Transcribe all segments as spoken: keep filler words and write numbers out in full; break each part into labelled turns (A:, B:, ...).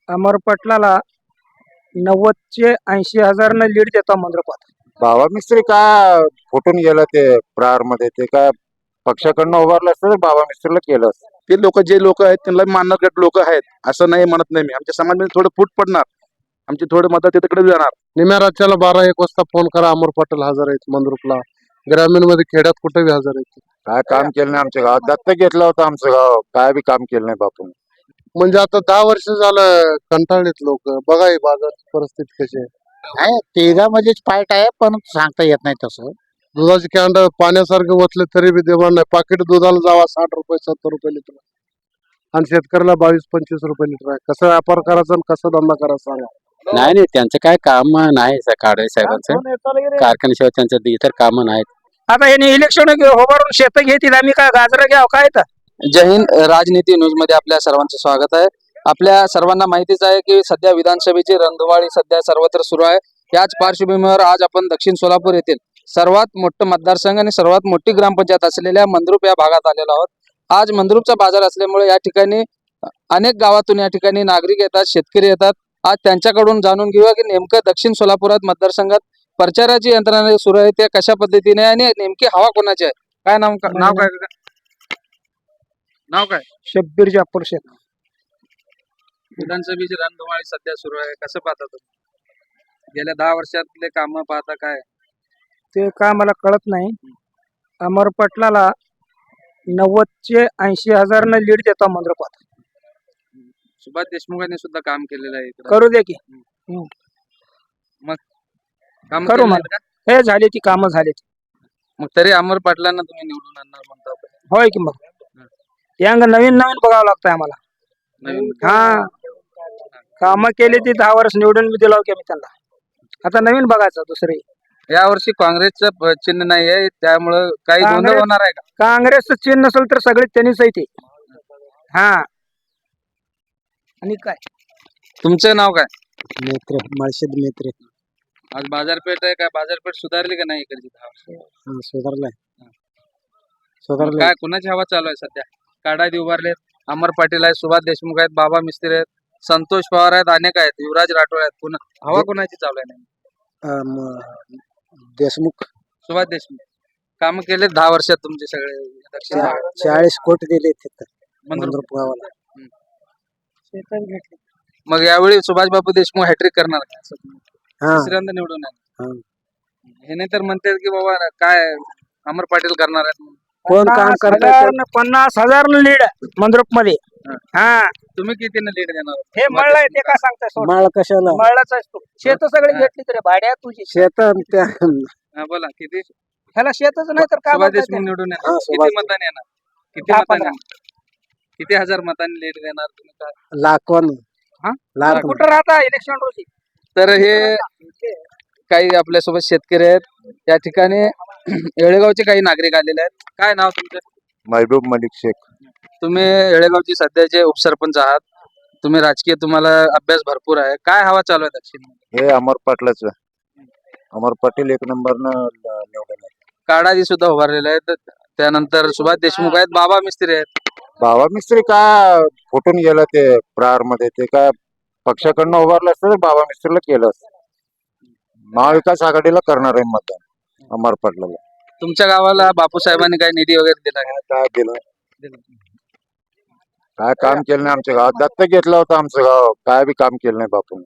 A: अमर पटलाला नव्वदचे ऐंशी हजारनं लीड देतो मंद्रपात.
B: बाबा मिस्त्री का फुटून गेलं ते प्रहार मध्ये ते काय पक्षाकडनं उभारलं असतं तर बाबा मिस्त्रीला केलं असतं.
C: ते लोक जे लोक आहेत त्यांना मानणारे लोक आहेत असं नाही म्हणत नाही मी. आमच्या समाजामध्ये थोडं फूट पडणार, आमची थोडे मतं तिकडे जाणार.
D: निम्या राज्याला बारा एक वाजता फोन करा, अमर पटेल हजर आहेत मंद्रुपला. ग्रामीण मध्ये खेड्यात कुठेही हजर आहेत.
B: काय काम केलं नाही आमच्या गावात. दत्तक घेतलं होतं आमचं गाव, काय बी काम केलं नाही बापून.
D: म्हणजे आता दहा वर्ष झालं कंटाळलेत लोक. बघा ही बाजाराची परिस्थिती कशी आहे.
E: आहे तिघामध्येच फाईट आहे, पण सांगता येत नाही तसं.
D: दुधाची कॅन्ड पाण्यासारखे ओतले तरी बी देवाण नाही. पाकिट दुधाला जावा साठ रुपये सत्तर रुपये लिटर आणि शेतकऱ्याला बावीस पंचवीस रुपये लिटर आहे. कसं व्यापार करायचा आणि कसं धंदा करायचा सांगा.
F: नाही नाही त्यांचं काय काम नाही काळे साहेबांचं. कारखान्याशिवाय त्यांचं इतर काम नाहीत.
A: आता हे इलेक्शन उभारून शेत घेतील, आम्ही काय गाजर घ्याव काय तर.
G: जय हिंद. राजनीती न्यूज मध्ये आपल्या सर्वांचं स्वागत आहे. आपल्या सर्वांना माहितीच आहे की सध्या विधानसभेची रणधुमाळी सध्या सर्वत्र सुरू आहे. याच पार्श्वभूमीवर आज आपण दक्षिण सोलापूर येथील सर्वात मोठं मतदारसंघ आणि सर्वात मोठी ग्रामपंचायत असलेल्या मंद्रुप या भागात आलेलो आहोत. आज मंद्रुपचा बाजार असल्यामुळे या ठिकाणी अनेक गावातून या ठिकाणी नागरिक येतात, शेतकरी येतात. आज त्यांच्याकडून जाणून घेऊया की नेमकं दक्षिण सोलापुरात मतदारसंघात प्रचाराची यंत्रणा सुरू आहे ते कशा पद्धतीने आणि नेमकी हवा कोणाची आहे. काय नाव नाव काय नाव काय
A: शब्बीर जाफर शेख.
G: विधानसभेची रणधुमाळी सध्या सुरू आहे, कसं पाहता तुम्ही? गेल्या दहा वर्षातले काम पाहता काय?
A: ते काय मला कळत नाही. अमर पटलाला नव्वदचे ऐंशी हजारनं लीड देतो मंद्रपात.
G: सुभाष देशमुखांनी सुद्धा काम केलेलं आहे इकडं.
A: करू दे की
G: काम
A: करू
G: केलेलं
A: मला.
G: आहे का?
A: हे झाले ती कामं झाली.
G: मग तरी अमर पाटलांना तुम्ही निवडून आणणार म्हणता.
A: होय की मग यांग नवीन नवीन बघावं लागतंय आम्हाला.
G: नवीन
A: हा कामं केली ती दहा वर्ष निवडून मी दिला की मी त्यांना. आता नवीन बघायचं दुसरी.
G: या वर्षी काँग्रेसचं प- चिन्ह नाही आहे त्यामुळं काही गोंधळ
A: काँग्रेस-
G: होणार आहे का?
A: काँग्रेसचं चिन्ह नसेल तर सगळे त्यांनीच आहे ते. हा आणि काय
G: तुमचं नाव काय?
E: मित्र मळशेद मित्र
G: आज बाजारपेठ आहे का? बाजारपेठ सुधारली का नाही इकडची दहा वर्ष?
E: सुधारलाय
G: मग काय कुणाची हवा चालू आहे सध्या? काढायत उभारलेत, अमर पाटील आहेत, सुभाष देशमुख आहेत, बाबा मिस्त्री आहेत, संतोष पवार आहेत, अनेक आहेत, युवराज राठोड आहेत. पुन्हा हवा कुणाची चालू आहे? नाही
E: देशमुख
G: सुभाष देशमुख काम केले दहा वर्षात तुमचे सगळे दक्षिण भागात.
E: चाळीस कोटी दिले तिथं
G: मंद्रुप.
E: गावाला.
G: मग यावेळी सुभाष बाबू देशमुख हॅट्रिक करणार का? असं तुम्ही
E: हा
G: तिसऱ्यांदा निवडून
E: हा.
G: येणार. हे नाही तर म्हणतात की बाबा काय अमर पाटील करणार आहेत म्हणून.
E: कोण काम
A: पन्नास
E: करत
A: हजारनं- पन्नास हजार लीड मंद्रुप मध्ये. हा
G: तुम्ही कितीने लीड देणार?
A: हे मळलंय ते काय सांगताय सोड.
E: माळ कशाला
A: मळलाच आहेस तू. शेत सगळी
G: हा.
A: घेतली तरी भाड्या तुझी.
E: शेत त्या
G: हा, बोला किती?
A: ह्याला शेतच नाही तर काय
G: सुभाष
A: बोलताय
G: देशमुख
A: ते?
G: निवडून
E: हा,
G: येणार.
E: सुभाष
G: किती मतांनी येणार? किती
A: दहा
G: मतांनी?
A: पंधरा.
G: किती हजार मतांनी लीड देणार तुम्ही? काय
E: लाखवन
A: हा?
E: लाख
A: कुठं राहता इलेक्शन रोजी?
G: तर हे काही आपल्यासोबत शेतकरी आहेत. या ठिकाणी येळेगावचे काही नागरिक आलेले आहेत. काय नाव तुमचं?
B: महबूब मलिक शेख.
G: तुम्ही येळेगावचे सध्याचे उपसरपंच आहात. तुम्ही राजकीय तुम्हाला अभ्यास भरपूर आहे. काय हवा चालू आहे दक्षिण?
B: हे अमर पाटलाच. अमर पाटील एक नंबरनं निवडून आले.
G: काडाजी सुद्धा उभारलेले आहेत. त्यानंतर सुभाष देशमुख आहेत, बाबा मिस्त्री आहेत.
B: बाबा मिस्त्री का फुटून गेलं ते प्रहार मध्ये ते काय पक्षाकडनं उभारलं असतं तर बाबा मिस्त्रीला केलं असतं. महाविकास आघाडीला करणार आहे मतदान अमर पाटलाला.
G: तुमच्या गावाला बापू साहेबांनी काही निधी वगैरे दिला का?
B: काय दिलं काय काम केलं नाही आमच्या गावात. दत्तक घेतलं होतं आमचं गाव, काय बी काम केलं नाही बापून.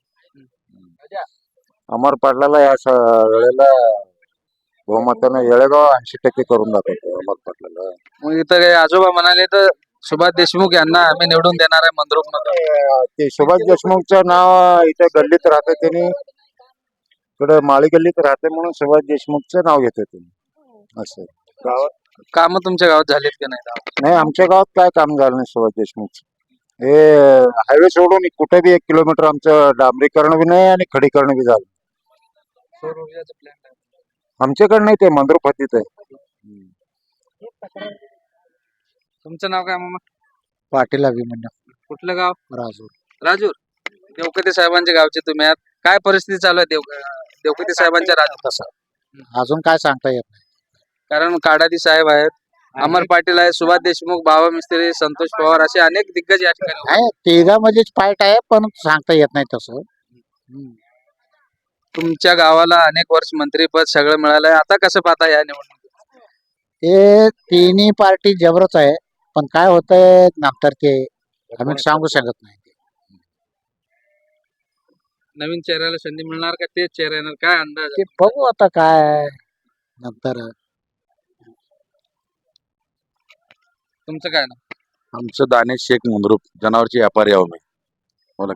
B: अमर पाटलाला या स- वेळेला बहुमतानं येळेगाव ऐंशी टक्के करून दाखवतो अमर पाटलाला.
G: मग इथं काही आजोबा म्हणाले तर सुभाष देशमुख यांना आम्ही निवडून देणार आहे मंद्रुप मध्ये.
B: ते सुभाष देशमुखचं नाव इथे गल्लीत राहते त्यांनी, इकडे माळी गल्लीत राहते म्हणून सुभाष देशमुखचं नाव घेते त्यांनी. असं गावात
G: काम तुमच्या गावात झालीत की नाही?
B: नाही, आमच्या गावात काय काम झालं नाही सुभाष देशमुखचं. हे हायवे सोडून कुठे बी एक किलोमीटर आमचं डांबरीकरण बी नाही आणि खडीकरण बी झालं.
G: सौर ऊर्जाचं प्लॅन आहे.
B: आमच्याकडे नाही, ते मंद्रुपतीत आहे.
G: तुमचं नाव काय मामा?
E: पाटील अभिमन्यू
G: कुठलं गाव?
E: राजूर.
G: राजूर. देवकते साहेबांच्या गावचे तुम्ही आहात. काय परिस्थिती चालू आहे देव देवकते साहेबांच्या राजूर?
E: अजून काय सांगता येत नाही.
G: कारण काडादी साहेब आहेत, अमर पाटील आहे, सुभाष देशमुख, बाबा मिस्त्री, संतोष पवार असे अनेक दिग्गज या ठिकाणी उभे आहेत.
E: आहे तिघामध्येच फाईट आहे पण सांगता येत नाही तसं.
G: तुमच्या गावाला अनेक वर्ष मंत्रीपद सगळं मिळालंय, आता कसं पाहता या निवडणुकीत?
E: हे तिन्ही पार्टी जबरच आहे पण काय होतंय नंतर ते आम्ही सांगू शकत नाही.
G: नवीन चेहऱ्याला संधी मिळणार का तेच चेहरा येणार, काय अंदाज
E: ते
G: आहे?
E: बघू आता काय नंतर.
G: तुमचं काय ना
C: आमचं दानेश शेख मुंद्रुप जनावरची व्यापारी आहो मी.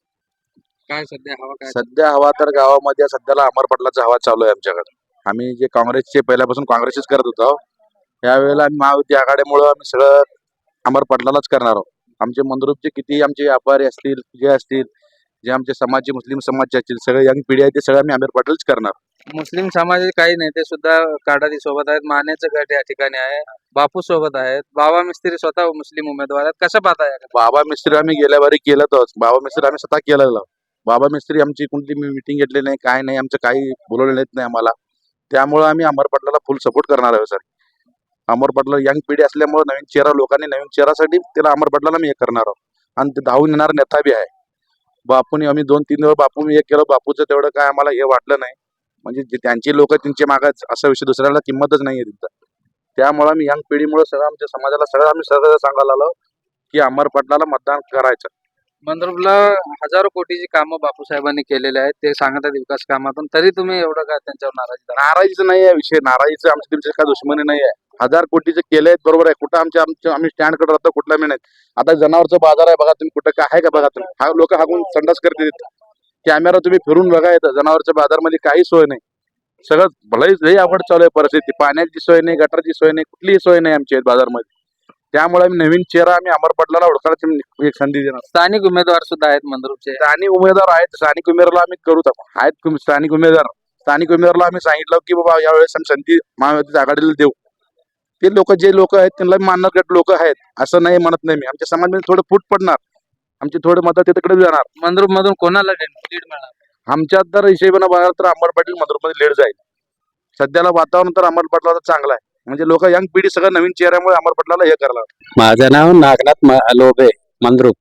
G: काय सध्या हवा काय
C: सध्या हवा तर गावामध्ये सध्याला अमर पाटलाचा हवा चालू आहे आमच्याकडे. आम्ही जे काँग्रेसचे पहिल्यापासून काँग्रेसच करत होतो, यावेळेला आम्ही महायुती आघाडीमुळे आम्ही सगळं अमर पाटलालाच करणार आहोत. आमचे मंद्रुपचे किती आमचे व्यापारी असतील, जे असतील, जे आमचे समाजचे मुस्लिम समाजचे असतील, सगळे यंग पिढी आहे ते सगळं आम्ही अमर पाटलच करणार.
G: मुस्लिम समाजाचे काही नेते सुद्धा काडादी सोबत आहेत, मानेचं गट या ठिकाणी आहे, बापू सोबत आहेत, बाबा मिस्त्री स्वतः मुस्लिम उमेदवार आहेत, कसं पाहता या
C: बाबा मिस्त्री आम्ही गेल्या बारी केलं होतं. बाबा मिस्त्री आम्ही स्वतः केलेलं. बाबा मिस्त्री आमची कोणती मिटिंग घेतली नाही, काय नाही, आमचं काही बोलवलं नाही आम्हाला. त्यामुळे आम्ही अमर पाटलाला फुल सपोर्ट करणार आहे सर. अमर पाटला यंग पिढी असल्यामुळे नवीन चेहरा, लोकांनी नवीन चेहरासाठी त्याला अमर पाटलाला मी हे करणार आहोत. आणि ते धावून येणार नेता बी आहे. बापूने आम्ही दोन तीन वेळा बापू एक केलं, बापूचं तेवढं काय आम्हाला हे वाटलं नाही. म्हणजे जे त्यांची लोक त्यांच्या मागाच असा विषय दुसऱ्याला किंमतच नाहीये तिथं. त्यामुळे आम्ही यंग पिढीमुळे सगळं आमच्या समाजाला सगळं आम्ही सगळं सांगायला आलो की अमर पाटलाला मतदान करायचं.
G: मंद्रुपला हजारो कोटीची कामं बापूसाहेबांनी केलेले आहेत, ते सांगतात विकास कामातून, तरी तुम्ही एवढं काय त्यांच्यावर नाराजी धरा?
C: नाराजीचं नाही आहे विषय, नाराजीचं आमच्या तुमच्या काय दुश्मनी नाही आहे. हजार कोटीचे केले आहेत बरोबर आहे, कुठं आमच्या आमच्या आम्ही स्टँड कडे राहतो कुठला मी नाही. आता जनावरचं बाजार आहे बघा तुम्ही, कुठं काय आहे का बघा तुम्ही. हा लोक हाकून संडास करते तिथं. कॅमेरा तुम्ही फिरून बघा येतं, जनावरच्या बाजारमध्ये काही सोय नाही. सगळं भलंच लई आवड चालू आहे परिस्थिती. पाण्याची सोय नाही, गटारची सोय नाही, कुठलीही सोय नाही आमच्या बाजारमध्ये. त्यामुळे आम्ही नवीन चेहरा आम्ही अमर पाटलाला ओळखायची एक संधी देणार.
G: स्थानिक उमेदवार सुद्धा आहेत मंद्रुपचे.
C: स्थानिक उमेदवार आहेत, स्थानिक उमेदवाराला आम्ही करू आहेत कुम- स्थानिक उमेदवार स्थानिक उमेदवाराला आम्ही सांगितलं की बाबा यावेळेस आम्ही संधी महायुतीच्या आघाडीला देऊ. ते लोक जे लोक आहेत त्यांना मानणारे लोक आहेत असं नाही म्हणत नाही मी. आमच्या समाजामध्ये थोडं फूट पडणार, आमची थोडं मदत तिकडे जाणार.
G: मंद्रुप मधून कोणाला लीड मिळणार?
C: आमच्यात तर हिशेबाने बघायला तर अमर पाटील मंद्रुपमध्ये लीड जाईल. सध्याला वातावरण तर अमर पाटलाचं चांगलं आहे. म्हणजे लोक यंग पिढी सगळं नवीन चेहऱ्यामुळे अमर पाटलाला हे करायला.
F: माझं नाव नागनाथ म- लोबे मंद्रुप.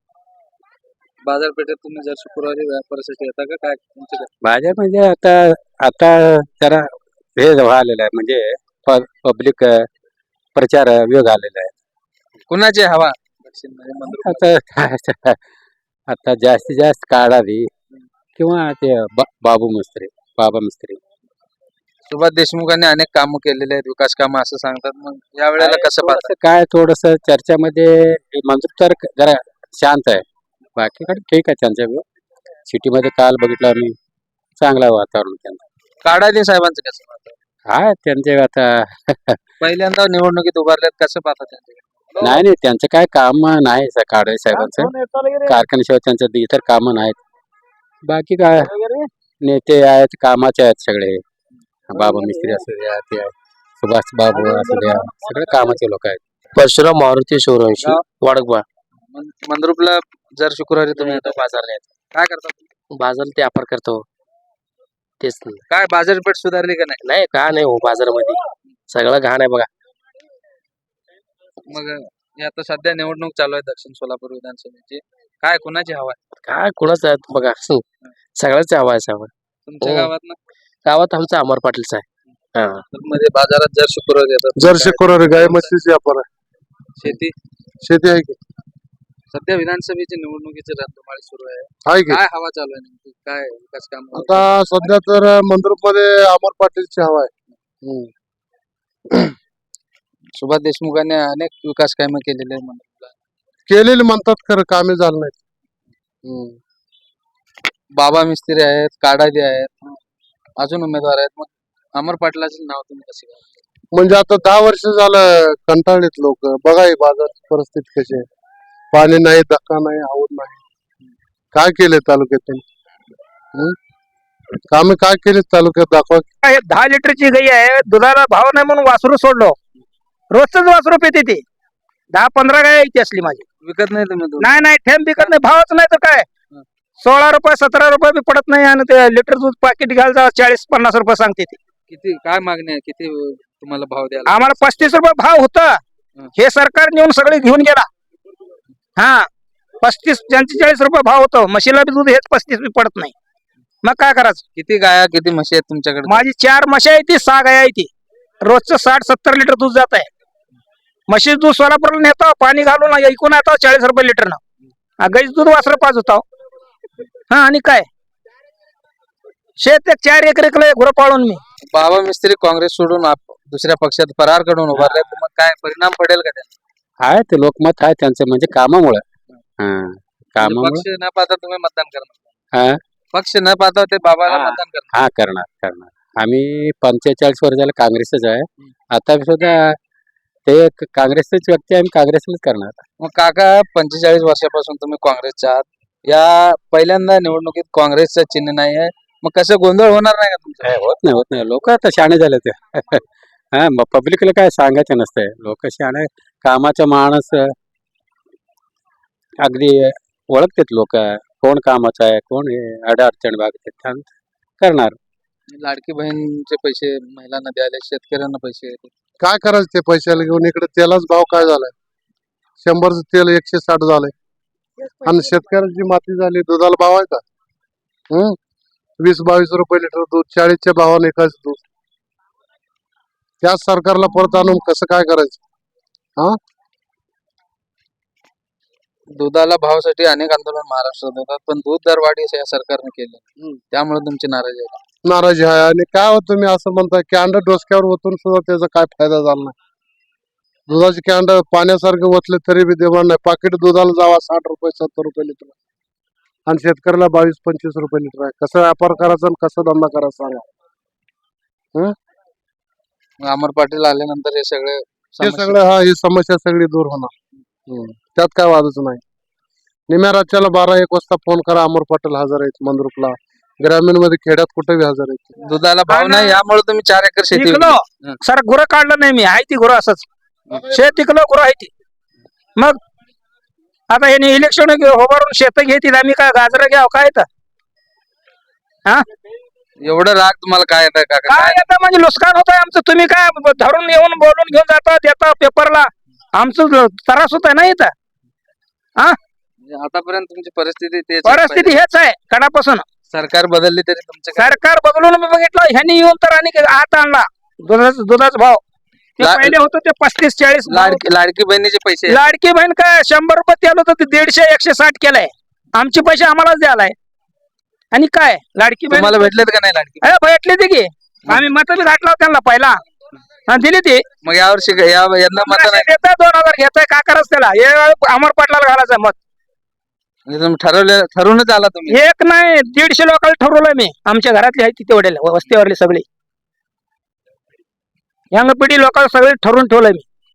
G: बाजारपेठेत तुम्ही जर शुक्रवारी व्यापारासाठी येता का काय तुमचं काय?
F: माझ्या म्हणजे आता आता जरा हे झालेलं आहे, म्हणजे पब्लिक प्रचार वेग आलेला आहे.
G: कुणाची हवा दक्षिण मध्ये मंद्रुप?
F: आता आता जास्तीत जास्त काढावी किंवा ते बा- बाबू मिस्त्री बाबा मिस्त्री.
G: सुभाष देशमुखांनी अनेक कामं केलेले आहेत, विकास कामं असं सांगतात. मग या वेळेला कसं पाहता?
F: थोडंसं काय थोडस चर्चामध्ये हे मंद्रुप तर जरा शांत आहे, बाकीकडे ठीक आहे त्यांच्या. सिटीमध्ये काल बघितलं आम्ही, चांगलं वातावरण त्यांचं.
G: काडादी साहेबांचं कसं पाहता?
F: काय त्यांचे आता
G: पहिल्यांदा निवडणुकीत उभारलेत, कसं पाहता त्यांचे?
F: नाही नाही त्यांचं काय काम नाही काळे साहेबांचं. कारखान्याशिवाय त्यांचं इतर कामं नाहीत. बाकी काय नेते आहेत, कामाचे आहेत सगळे. बाबा मिस्त्री असू द्या, ते सुभाष बाबू असू द्या, सगळे कामाचे लोक आहेत.
H: परशुराम मारुती सूर्यवंशी वडकबा.
G: मं- मंद्रुपला जर शुक्रवारी तुम्ही येता बाजार यायचं, काय करता तुम्ही?
H: बाजार ते व्यापार करतो तेच नाही.
G: काय बाजारपेठ सुधारली का नाही?
H: नाही का नाही हो, बाजारामध्ये सगळं घाण आहे बघा.
G: मग हे आता सध्या निवडणूक चालू आहे दक्षिण सोलापूर विधानसभेची, काय कुणाची हवा आहे
H: काय कुणाच आहे बघा, सगळ्याच हवा आहे सगळं.
G: तुमच्या
H: हो.
G: गावात?
H: गावात आमचा अमर पाटीलचा आहे. हा
G: मध्ये बाजारात जर शुक्रवारी येतात,
D: जर शुक्रवारी गाय म्हशीची व्यापार आहे,
G: शेती
D: शेती आहे की
G: सध्या विधानसभेची निवडणुकीची रणधुमाळी सुरू आहे,
D: आहे की.
G: काय हवा चालू आहे नेमकी? काय विकास काम?
D: आता सध्या तर मंद्रुप मध्ये अमर पाटीलची हवा आहे.
G: सुभाष देशमुखांनी अनेक विकास कामे केलेले आहे मंद्रुपला.
D: केलेली म्हणतात खरं कामे झालं नाही.
G: बाबा मिस्त्री आहेत, काडादी आहेत, अजून उमेदवार आहेत. मग अमर पाटलाचे नाव तुम्ही कसे घ्याल?
D: म्हणजे आता दहा वर्ष झालं कंटाळलेत लोक. बघा ही बाजारची परिस्थिती कशी आहे. पाणी नाही, धक्का नाही, आवड नाही. काय केले तालुक्यात? कामे काय केले तालुक्यात दाखवा.
A: हे दहा लिटरची गाई आहे, दुधाला भाव नाही म्हणून वासरू सोडलो. रोजच वासरू पिते ते. दहा पंधरा गाय इथे असली माझी.
G: विकत नाही तुम्ही दूध?
A: नाही नाही ठेम बिकत नाही, भावच नाही तर काय. सोळा रुपये सतरा रुपये बी पडत नाही आणि ते लिटर दूध पाकिट घ्यायला चाळीस पन्नास रुपये सांगते ते.
G: किती काय मागणी आहे? किती तुम्हाला भाव द्यायला
A: आम्हाला पस्तीस रुपये भाव होतं हे सरकार नेऊन सगळे घेऊन गेला. हा पस्तीस पंचेचाळीस रुपये भाव होतो म्हशीला बी दूध हेच पस्तीस बी पडत नाही. मग काय करायचं?
G: किती गाया किती म्हशी आहेत तुमच्याकडे?
A: माझी चार म्हशी आहे ती सहा गाय आहे ती रोजचं साठ सत्तर लिटर दूध जात आहे. म्हशीचं दूध सोलापूरला नेतो पाणी घालून ऐकून येतो चाळीस रुपये लिटरनं. गाईच दूध वासरं पाच होता. हा आणि काय शेत एक चार एकर गुरं पाळून मी.
G: बाबा मिस्त्री काँग्रेस सोडून आप- दुसऱ्या पक्षात फरार कडून उभारले मग काय परिणाम पडेल का त्यांना?
F: आहे ते लोकमत आहे त्यांचं म्हणजे कामामुळे हा कामामुळे
G: पक्ष न पाहता तुम्ही मतदान करणार?
F: हा
G: पक्ष न पाहता ते बाबाला
F: हा.
G: मतदान करणार?
F: हा करणार करणार आम्ही पंचेचाळीस वर्षाला काँग्रेसच आहे. आता सुद्धा ते एक काँग्रेसचेच व्यक्ती आहे, आम्ही काँग्रेसलाच करणार.
G: मग काका पंचेचाळीस वर्षापासून तुम्ही काँग्रेसच्या आहात. या पहिल्यांदा निवडणुकीत काँग्रेसचं चिन्ह नाही आहे मग कसं गोंधळ होणार नाही का तुमचा?
F: काय होत नाही होत नाही लोक आता शहाणे झाले ते हा मग पब्लिकला काय सांगायचं नसतंय. लोक शहाणे कामाचा माणूस अगदी ओळखतात लोक कोण कामाचं आहे कोण हे अडचण बागतात करणार.
G: लाडकी बहीणचे पैसे महिलांना द्यायला शेतकऱ्यांना पैसे येतात.
D: काय करायचं ते पैशाला घेऊन? इकडे तेलाच भाव काय झालाय? शंभरचं तेल एकशे साठ झालंय आणि शेतकऱ्याची माती झाली. दुधाला भाव आहे का? हम्म वीस बावीस रुपये लिटर दूध चाळीसच्या भावाने एकाच दूध. त्याच सरकारला परत आणून कसं काय करायचं?
G: दुधाला भावासाठी अनेक आंदोलन महाराष्ट्रात होतात पण दूध दरवाढी या सरकारने केली त्यामुळे तुमची नाराजी आहे.
D: नाराजी आहे. आणि काय होत तुम्ही असं म्हणताय कॅन्ड डोसक्यावर ओतून सुद्धा त्याचा काय फायदा झाला नाही. दुधाचे कॅन्ड पाण्यासारखे ओतले तरी बी देवाण नाही. पाकिट दुधाला जावा साठ रुपये सत्तर रुपये लिटर आणि शेतकऱ्याला बावीस पंचवीस रुपये लिटर आहे. कसं व्यापार करायचा आणि कसं धंदा करायचा सांगा?
G: मग अमर पाटील आल्यानंतर हे सगळे
D: हे
G: समस्या-
D: सगळं हा ही समस्या सगळी दूर होणार. हम्म. त्यात काय वादच नाही. निम्या राज्याला बारा एक वाजता फोन करा अमर पाटील हजर आहेत मंद्रुपला. ग्रामीण मध्ये खेड्यात कुठे बी हजर आहेत.
G: दुधाला भाव नाही यामुळे तुम्ही चार एकर शेती
A: इकलो
G: हं.
A: सर गुरं काढलं नाही मी आहे ती गुरं असंच शेत इकलो गुरं आहे ती. मग आता हे इलेक्शन उभारून शेत घेतील आम्ही काय गाजर घ्याव काय तर
G: एवढं राग तुम्हाला काय येत आहे काका?
A: काय येतं म्हणजे नुकसान होत आहे आमचं. तुम्ही काय धरून येऊन बोलून घेऊन जाता देता पेपरला आमचं त्रास होत आहे ना इथं.
G: म्हणजे आतापर्यंत तुमची परिस्थिती तेच आहे.
A: परिस्थिती हेच आहे कडापासून.
G: सरकार बदलली तरी तुमचं काय?
A: सरकार बदलून मी बघितलं ह्यांनी येऊन तर आणि आत आणला दुधाचा दुधाचा भाव. ते
G: ला-
A: पहिले होतं ते पस्तीस चाळीस भाव.
G: लाडकी लाडकी बहिणीचे पैसे
A: लाडकी बहीण काय शंभर रुपये तेल होतं ते दीडशे एकशे साठ केलंय. आमचे पैसे आम्हालाच द्यायलाय. आणि काय लाडकी बहीण
G: तुम्हाला भेटलेत का नाही लाडकी?
A: अरे भेटली ती की आम्ही मत बी घातला त्यांना पहिला आणि दिली ती.
G: मग यावर्षी या यंदा मत नाही
A: देताय दोन हजार घेताय का करायचं त्याला हे अमर पाटलाला घालायचं मत.
G: म्हणजे तुम्ही ठरवले ठरवूनच आला तुम्ही?
A: एक नाही दीडशे लोकांना ठरवलंय मी. आमच्या घरातली आहे ती तेवढ्याला वस्तीवरली सगळी यंग पिढी लोकांना सगळे ठरवून ठेवलंय मी.